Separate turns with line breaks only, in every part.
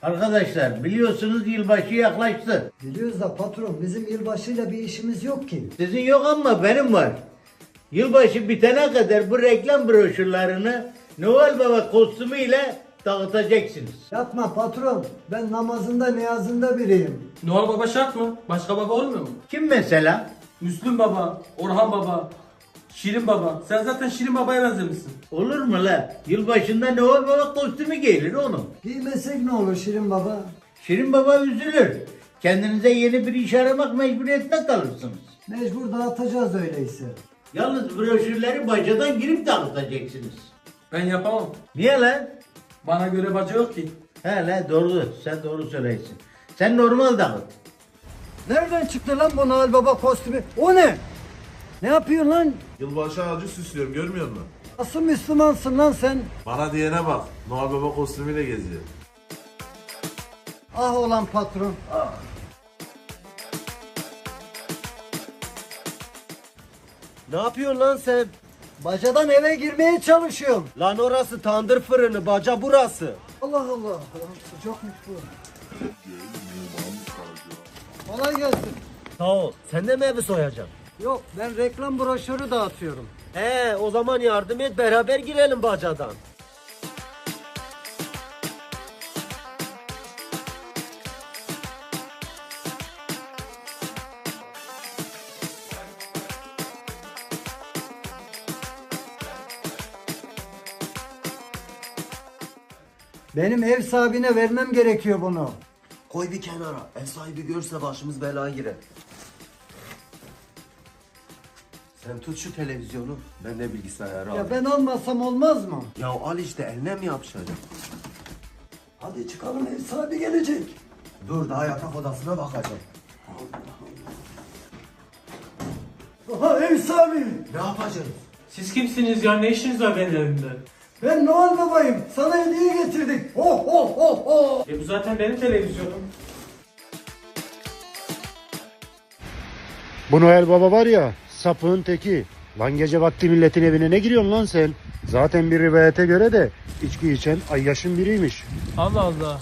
Arkadaşlar biliyorsunuz yılbaşı yaklaştı.
Biliyoruz da patron, bizim yılbaşıyla bir işimiz yok ki.
Sizin yok ama benim var. Yılbaşı bitene kadar bu reklam broşürlerini Noel Baba kostümüyle dağıtacaksınız.
Yapma patron, ben namazında niyazında biriyim.
Noel Baba şart mı? Başka baba olmuyor mu?
Kim mesela?
Müslüm Baba, Orhan Baba, Şirin Baba. Sen zaten Şirin Baba'ya benzemişsin.
Olur mu la? Yılbaşında Noel Baba kostümü giyilir oğlum.
Giymesek ne olur Şirin Baba?
Şirin Baba üzülür. Kendinize yeni bir iş aramak mecburiyetinde kalırsınız.
Mecbur dağıtacağız öyleyse.
Yalnız broşürleri bacadan girip dağıtacaksınız.
Ben yapamam.
Niye lan?
Bana göre baca yok ki.
He la doğru. Sen doğru söyleysin. Sen normal dağıt.
Nereden çıktı lan bu Noel Baba kostümü? O ne? Ne yapıyorsun lan?
Yılbaşı ağacı süslüyorum, görmüyor musun?
Nasıl Müslümansın lan sen?
Bana diyene bak, Noel Baba kostümüyle geziyor.
Ah olan patron, ah.
Ne yapıyorsun lan sen?
Bacadan eve girmeye çalışıyorum.
Lan orası tandır fırını, baca burası.
Allah Allah, lan sıcakmış bu. Kolay gelsin.
Sağ ol. Sen de mi evi soyacaksın?
Yok, ben reklam broşürü dağıtıyorum.
O zaman yardım et, beraber girelim bacadan.
Benim ev sahibine vermem gerekiyor bunu.
Koy bir kenara. Ev sahibi görse başımız belaya girer. Sen tut şu televizyonu, ben de bilgisayarı
Ya
alayım.
ben almasam olmaz mı?
Ya al işte, eline mi yapışacak?
Hadi çıkalım, ev sahibi gelecek.
Dur, daha yatak odasına bakacağım.
Aha, ev sahibi.
Ne yapacağız?
Siz kimsiniz ya? Ne işiniz var benim evimde?
Ben Noel Baba'yım. Sana hediye getirdik. Ho ho ho ho.
Bu zaten benim televizyonum.
Bu Noel Baba var ya, sapığın teki. Lan gece vakti milletin evine ne giriyorsun lan sen? Zaten bir rivayete göre de içki içen ayyaşın biriymiş.
Allah Allah.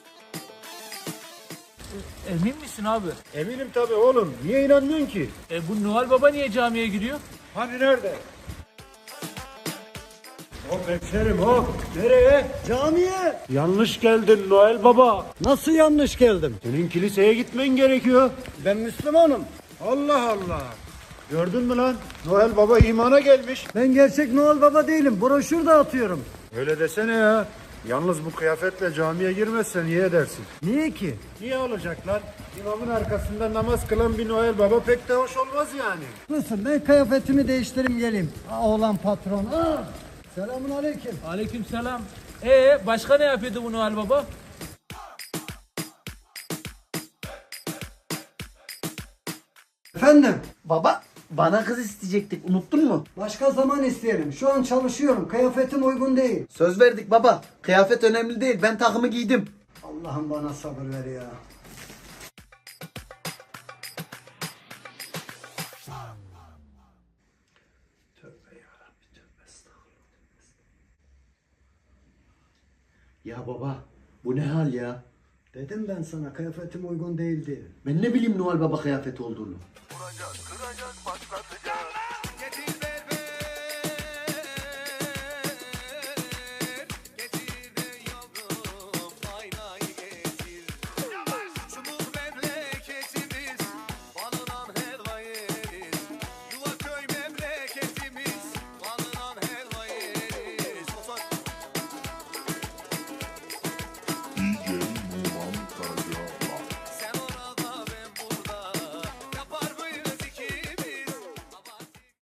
Emin misin abi?
Eminim tabii oğlum. Niye inanmıyorsun ki?
Bu Noel Baba niye camiye gidiyor?
Hani nerede? Hop hemşerim hop. Nereye?
Camiye.
Yanlış geldin Noel Baba.
Nasıl yanlış geldim?
Senin kiliseye gitmen gerekiyor.
Ben Müslümanım.
Allah Allah. Gördün mü lan? Noel Baba imana gelmiş.
Ben gerçek Noel Baba değilim. Broşür dağıtıyorum.
Öyle desene ya. Yalnız bu kıyafetle camiye girmezsen iyi edersin.
Niye ki?
Niye olacak lan? İmamın arkasında namaz kılan bir Noel Baba pek de hoş olmaz yani.
Lütfen ben kıyafetimi değiştireyim geleyim. Oğlan patron. Selamun aleyküm.
Aleykümselam. Başka ne yapıyordu bu Noel Baba?
Efendim?
Baba, bana kız isteyecektik. Unuttun mu?
Başka zaman isteyelim. Şu an çalışıyorum. Kıyafetim uygun değil.
Söz verdik baba. Kıyafet önemli değil. Ben takımı giydim.
Allah'ım bana sabır ver ya.
Ya baba, bu ne hal ya?
Dedim ben sana kıyafetim uygun değil diye.
Ben ne bileyim Noel Baba kıyafeti olduğunu.